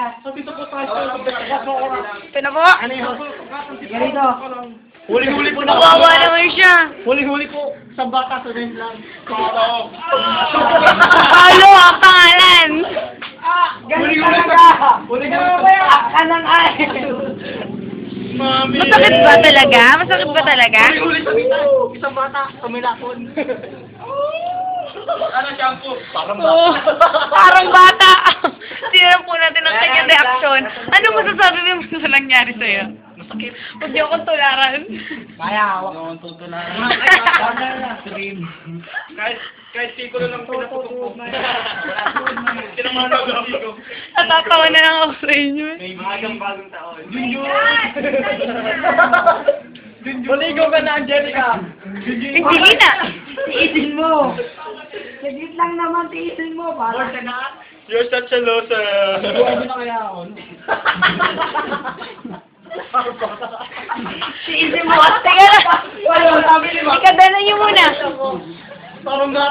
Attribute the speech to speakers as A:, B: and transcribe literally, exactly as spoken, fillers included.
A: Sabi ito po tayo.
B: Ito na po.
A: Ano yun?
C: Ganito.
A: Huli-huli po na.
B: Kawawa naman siya.
A: Huli-huli po. Sa bata, sa rin lang. Oo.
B: Halo ang pangalan.
C: Ganito talaga.
A: Huli-huli po.
C: Kanang ay.
A: Mami.
B: Masakit ba talaga? Masakit ba talaga?
A: Huli-huli sa bita. Isang bata, sa milakon. Ano shampoo? Parang
B: Oo. Parang bata. Tingnan po natin ang kanyang reaksyon. Ano masasabi mo sa nangyari sa'yo?
A: masakit.
B: Huwag niyo akong tularan.
C: Maya, hawak.
A: Noon tutunan. Stream. Kahit kahit siko na lang pinaputok ko. Kinamano ko siko.
B: Natatawa na lang ako sa inyo.
A: May bagang bagong taon. Junjun!
C: Maligo ka na, Angelica.
B: Hindi na.
C: Tiisin mo. Saglit lang naman, tiisin mo. Para.
A: You're such a loser.
C: Buwan mo na kaya ako.
B: Tiisin mo. Teka na.
C: Wala, sabi ni Ma.
B: Ikadala niyo muna.
A: Parang